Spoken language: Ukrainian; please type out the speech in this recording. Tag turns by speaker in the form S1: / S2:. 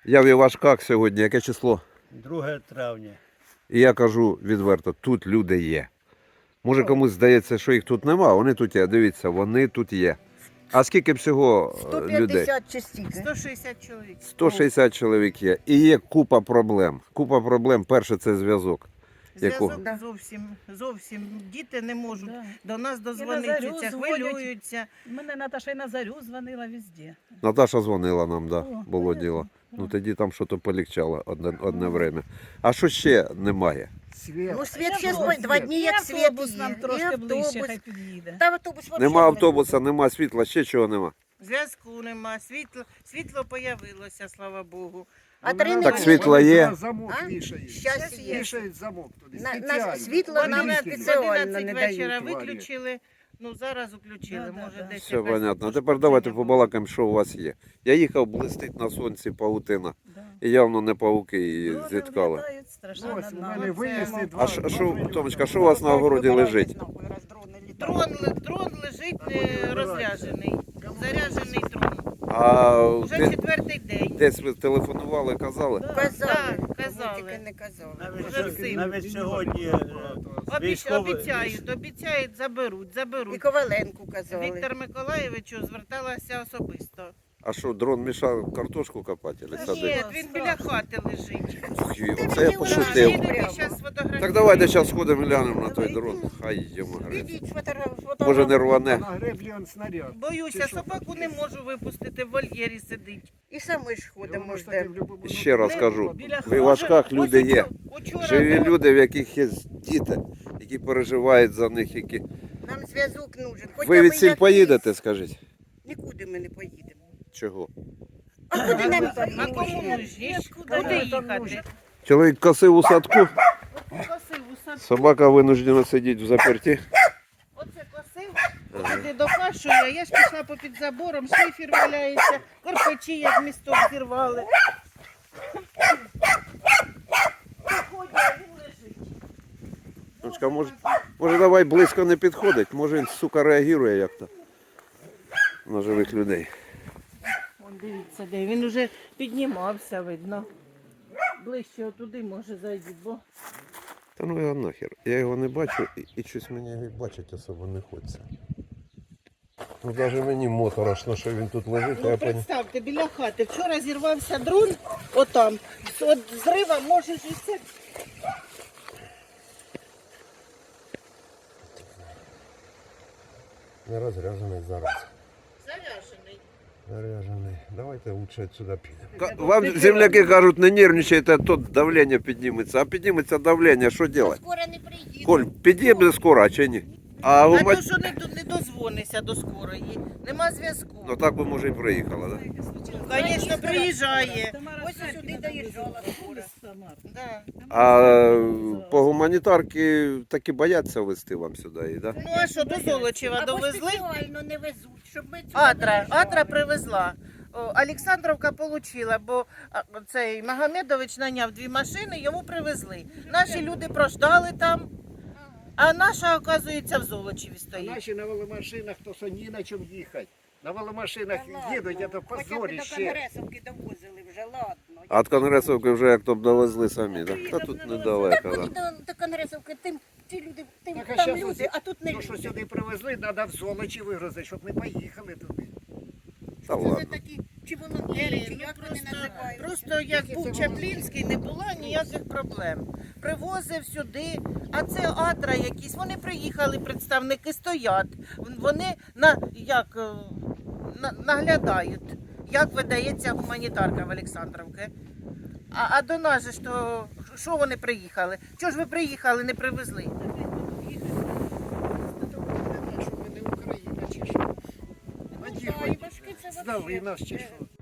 S1: Я в Івашках сьогодні, яке число?
S2: 2 травня.
S1: І я кажу відверто, тут люди є. Може комусь здається, що їх тут нема, вони тут є. Дивіться, вони тут є. А скільки всього людей?
S3: 150 чи стільки.
S4: 160 чоловік.
S1: 160 чоловік є. І є купа проблем. Купа проблем. Перше це зв'язок. Якого?
S4: Зв'язок зовсім. Діти не можуть
S5: Да.
S4: до нас
S5: І на
S4: дозвонитися,
S5: зарю дзвонять.
S4: хвилюються.
S5: Мене Наташа і на зарю дзвонила везде.
S1: Наташа дзвонила нам, да,
S5: О,
S1: було
S5: понятно.
S1: діло. Ну тоді там щось полегчало одне время. А що ще немає?
S2: Світ.
S3: Ну, світ
S5: І
S3: ще
S5: автобус.
S3: 2 дні, як
S5: І
S3: світ
S5: автобус
S3: є.
S5: нам
S3: І
S5: трошки ближче,
S3: автобус.
S5: хай під'їде.
S3: Та автобус вообще
S1: Нема
S3: не
S1: автобуса, нема світла, ще чого нема.
S4: Зв'язку нема, світло появилося, слава Богу.
S3: А 3
S1: Так
S3: неділі.
S1: світло є.
S2: Замок
S3: А?
S2: вішають.
S3: Щас є.
S2: Вішають замок туди.
S3: На
S2: спеціально.
S3: світло
S4: В
S3: нам
S4: 11
S3: спеціально не
S4: вечора
S3: дають.
S4: виключили, ну зараз включили,
S5: Да,
S4: може
S5: да.
S4: десь
S1: Все
S4: якась
S1: понятно.
S4: пошкодження
S1: Тепер давайте
S4: було.
S1: побалакаємо, що у вас є. Я їхав, блистить на сонці павутина.
S5: Да.
S1: І явно не павуки її
S5: Дрони
S1: зіткали.
S5: влітають, страшенно
S2: Ось у
S5: нам.
S2: мене винесли два.
S1: А що, Томочка, що у вас на огороді лежить?
S4: Дрон лежить розряджений, заряджений дрон.
S1: А
S4: Уже 4-й день.
S1: десь ви телефонували, казали?
S3: Казали.
S4: Так,
S3: Ми
S4: казали.
S3: тільки не казали.
S4: Вже всім.
S2: Навіть сьогодні
S4: Обіцяють, заберуть.
S3: І Коваленку казали.
S4: Віктор Миколаєвичу зверталася особисто.
S1: А що, дрон мішав картошку копати? Чи
S4: Ні,
S1: садити?
S4: він біля хати лежить.
S1: Ух, Оце я пошутив.
S4: Їдете, зараз фотографуємо.
S1: Так давайте зараз сходимо глянемо на той дрон. Хай йому грець.
S3: Ідіть,
S1: Може не рване.
S2: на греблі он снаряд.
S4: Боюся,
S2: Чи що?
S4: собаку не можу випустити, в вольєрі сидить.
S3: І самі ж ходимо,
S2: Воно ж таки
S3: ждемо.
S2: в любому
S1: Ще раз
S2: випадку.
S1: кажу,
S5: Біля
S1: в Івашках люди є.
S4: Учора
S1: Живі
S4: було-
S1: люди, в яких є діти, які переживають за них, які.
S3: Нам зв'язок нужен. Хоча
S1: Ви
S3: б
S1: від сіль
S3: якийсь.
S1: поїдете, скажіть?
S3: Нікуди ми не поїдемо.
S1: Чого?
S3: А куди нам
S4: А кому нужні? Куди їхати?
S1: Чоловік косив у садку,
S4: Косив у садку.
S1: собака винуждена сидіти в заперті.
S4: Оце косив, туди докашує, а я ж пішла попід забором, шифер валяється, корпачі як місток зірвали. Приходять, а він лежить.
S1: Дочка, може давай близько не підходить, може він, сука, реагує як-то на живих людей.
S4: Вон дивіться, де він уже піднімався, видно. Ближче отуди може зайти, бо
S1: Та ну його нахер. Я його не бачу і щось мені його бачить особо не хочеться. Ну навіть мені моторошно, що він тут лежить, а я поняв.
S4: представте, біля хати. Вчора зірвався дрон, отам. От зрива може ж і це.
S1: Не розряжений зараз.
S4: Заряжений.
S1: Заряжений. Давайте лучше отсюда підемо. Вам земляки кажуть, не нервничайте, а то давлення підніметься. А підніметься давлення, що робити?
S3: Скоро не приїдемо.
S1: Коль, підійде скоро, а чи ні? А
S4: А
S1: у
S4: то, що не дозвонися до скорої, нема зв'язку.
S1: Ну так би може і приїхала, так? Да?
S4: Звісно, приїжджає.
S3: Ось сюди доїжджала скоро.
S4: Да.
S1: А по гуманітарки таки бояться везти вам сюди, і, да?
S4: Ну а що, до Золочева
S3: Або
S4: довезли?
S3: спеціально не везуть, щоб ми цього
S4: Атра привезла. Олександровка отримала, бо цей Магомедович наняв 2 машини, йому привезли. Наші люди прождали там, а наша, оказується, в Золочеві стоїть.
S2: Наші на веломашинах, то що ні на чому їхати. На веломашинах їдуть, це
S3: Хоча б до
S2: позоріще.
S3: Конгресовки довозили вже, ладно.
S1: А від Конгресовки вже як то б довезли самі, так? Та тут недалеко,
S3: Так
S1: так.
S3: вони до Конгресовки, ті люди,
S2: Так, а
S3: там
S2: щас
S3: люди, а тут не
S2: То, що
S3: люди.
S2: сюди привезли, треба в Золочі вигрузити, щоб ми поїхали туди.
S1: Та
S3: Це не
S1: ладно.
S3: такі, чи волонтери, чи
S4: Ну,
S3: як вони називають.
S4: просто як був Чаплінський, не було ніяких проблем. Привозив сюди, а це Атра якісь, вони приїхали, представники стоять, вони наглядають, як видається гуманітарка в Олександровці. А до нас же ж то, що вони приїхали? Чого ж ви приїхали, не привезли?
S2: Що ми не Україна чи що?
S3: Ну,
S2: Наді
S3: да,
S2: хоч
S3: і важкі це
S2: здали
S3: вообще.
S2: нас чи що?